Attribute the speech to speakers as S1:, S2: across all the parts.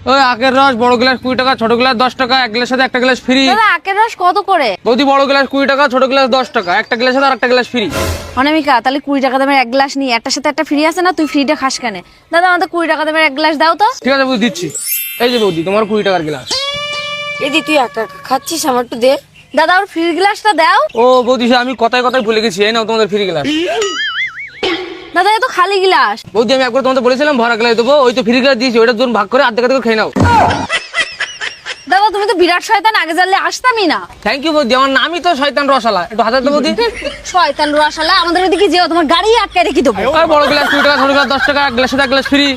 S1: ওই আখের রস বড় গ্লাস 20 টাকা, ছোট গ্লাস 10 টাকা, এক গ্লাসের সাথে একটা গ্লাস ফ্রি।
S2: দাদা আখের রস কত করে?
S1: বৌদি বড় গ্লাস 20 টাকা, ছোট গ্লাস 10 টাকা, একটা গ্লাসের সাথে আরেকটা গ্লাস ফ্রি।
S2: অনামিকা তাহলে 20 টাকা দামের এক গ্লাস নিই, একটার সাথে একটা ফ্রি আছে না, তুই ফ্রিটা খাস কেন? দাদা আমাদের 20 টাকা দামের এক গ্লাস দাও তো।
S1: ঠিক আছে বৌদি দিচ্ছি। এই যে বৌদি তোমার 20 টাকার গ্লাস।
S3: এদি তুই একা একা খাচ্ছিস, আমার একটু দে।
S2: দাদা ওর ফ্রি গ্লাসটা দাও।
S1: ও বৌদি আমি কথায় কথায় ভুলে গেছি, এই নাও তোমাদের ফ্রি গ্লাস।
S2: দাদা এ তো খালি গ্লাস।
S1: বৌদি আমি একবার তোমাদের বলেছিলাম ভরা গ্লাস দেবো, ওই তো ফ্রি গ্লাস দিয়েছি, ওইটা দুজন ভাগ করে আর্ধেক আর্ধেক খেয়ে নাও।
S2: দাদা তুমি তো বিরাট শয়তান, আগে জানলে আসতামই না।
S1: থ্যাংক ইউ বৌদি, আমার নামই তো শয়তান রসালা, একটু হাতে দাও বৌদি।
S2: শয়তান রসালা, আমাদের ওদিকে যেও, তোমার গাড়ি আটকে রেখে দেবো।
S1: ওই বড় গ্লাস 20 টাকা, ছোট গ্লাস 10 টাকা, এক গ্লাসের সাথে এক গ্লাস ফ্রি।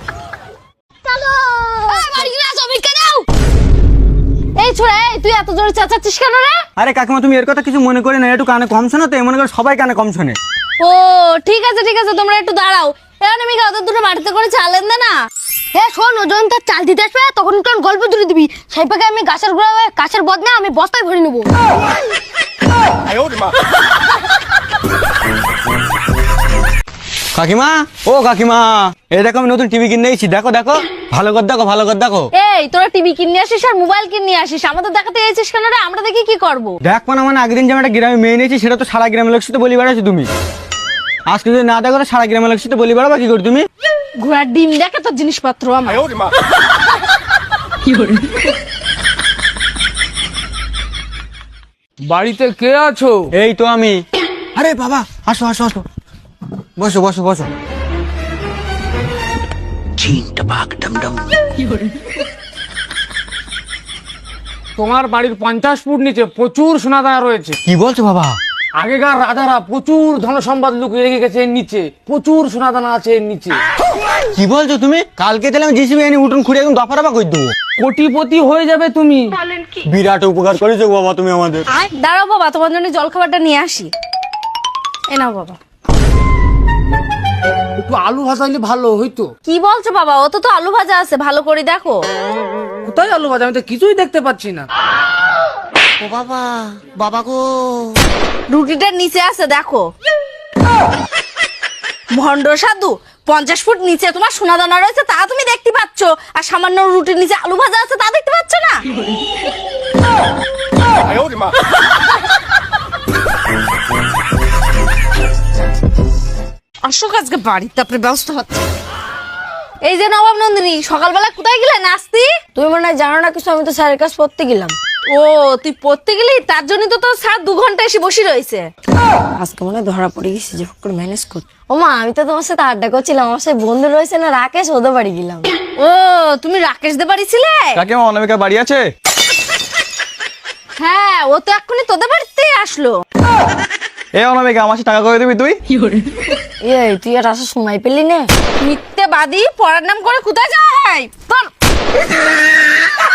S2: এই ছোড়া, এই তুই এত জোরে চেঁচাচ্ছিস কেন রে?
S4: আরে কাকিমা তুমি এর কথা কিছু মনে করে না, একটু কানে কম শোনো তো, মনে করে সবাই কানে কম শোনে।
S2: ও ঠিক আছে ঠিক আছে, তোমরা একটু দাঁড়াও। অনামিকা ওদের দুটো বাড়িতে করে চালেন দে না।
S3: হ্যাঁ শোন, ও যখন তার চাল দিতে আসবে তখন তোর গল্প জুড়ে দিবি। সেই পাকে আমি গাছের গোড়া গাছের বদলে আমি বস্তায় ভরে নেবো।
S4: কাকিমা ও কাকিমা, এই দেখো আমি নতুন টিভি কিনে এসেছি, দেখো দেখো, ভালো করে দেখো, ভালো করে দেখো।
S2: এই তোরা টিভি কিনে আসিস আর মোবাইল কিনে আসিস, আমাদের দেখাতে এসেছিস কেন রে? আমরা দেখি কি করবো?
S4: দেখ মানে আগের দিন যে আমি একটা গ্রামে মেয়ে নিয়েছি, সেটা তো সারা গ্রামের লোক সাথে বলি বেড়াচ্ছি তুমি। আজকে যদি না দেখো তো সারা গ্রামের লোক সাথে বলি বেড়াবা কি করে তুমি?
S2: ঘোড়ার ডিম দেখে তোর জিনিসপত্র আমার।
S1: বাড়িতে কে আছো?
S4: এই তো আমি। আরে বাবা আসো আসো আসো, বসো বসো বসো।
S1: তোমার বাড়ির 50 ফুট নিচে প্রচুর সোনাদানা রয়েছে।
S4: কি বলছো বাবা?
S1: আগেকার রাজারা প্রচুর ধন সম্পদ লুকিয়ে রেখে গেছে এর নিচে, প্রচুর সোনাদানা আছে এর নিচে।
S4: কি বলছো তুমি? কালকে তাহলে আমি জিসিবি এনে উঠুন খুঁড়ে একদম দফা রফা করে দেবো।
S1: কোটিপতি হয়ে যাবে তুমি।
S4: বিরাট উপকার করেছো বাবা তুমি আমাদের।
S2: দাঁড়াও বাবা, তোমার জন্য জল খাবারটা নিয়ে আসি। এ নাও বাবা।
S1: একটু আলু ভাজা হলে ভালো হইতো।
S2: কি বলছো বাবা? ও তো আলু ভাজা আছে, ভালো করে দেখো।
S1: কোথায় আলু ভাজা? আমি তো কিছুই দেখতে পাচ্ছি না।
S3: ও বাবা, বাবা গো।
S2: রুটিটার নিচে আছে দেখো। ভণ্ড সাধু, 50 ফুট নিচে তোমার সোনাদানা রয়েছে তা তুমি দেখতে পাচ্ছ, আর সামান্য রুটির নিচে আলু ভাজা আছে তা দেখতে পাচ্ছ না? অশোক আজকে বাড়িতে আপনার ব্যবস্থা হচ্ছে। এই যে নবাব নন্দিনী, সকালবেলা কোথায় গেলে নাস্তি?
S3: তুমি মনে হয় জানো না কিছু, আমি তো স্যারের কাছে পড়তে গেলাম।
S2: ও তুই পড়তে গেলি, তার জন্য তো তোর স্যার 2 ঘন্টা এসে বসে রয়েছে।
S3: আজকে মনে হয় ধরা পড়ে গেছি, যে করে ম্যানেজ কর। ও মা, আমি তো তোমার সাথে আড্ডা করছিলাম, আমার সাথে বন্ধু রয়েছে না রাকেশ, ওদের বাড়ি গেলাম।
S2: ও তুমি রাকেশ দে বাড়ি ছিলে?
S4: কাকিমা অনামিকা বাড়ি আছে?
S2: হ্যাঁ, ও তো এক্ষুনি তোদের বাড়িতে আসলো।
S4: এ অনামিকা আমার টাকা করে দিবি তুই?
S3: এই তুই আর আসার সময় পেলি না?
S2: মিথ্যে বাদী, পড়ার নাম করে কোথায় যায়?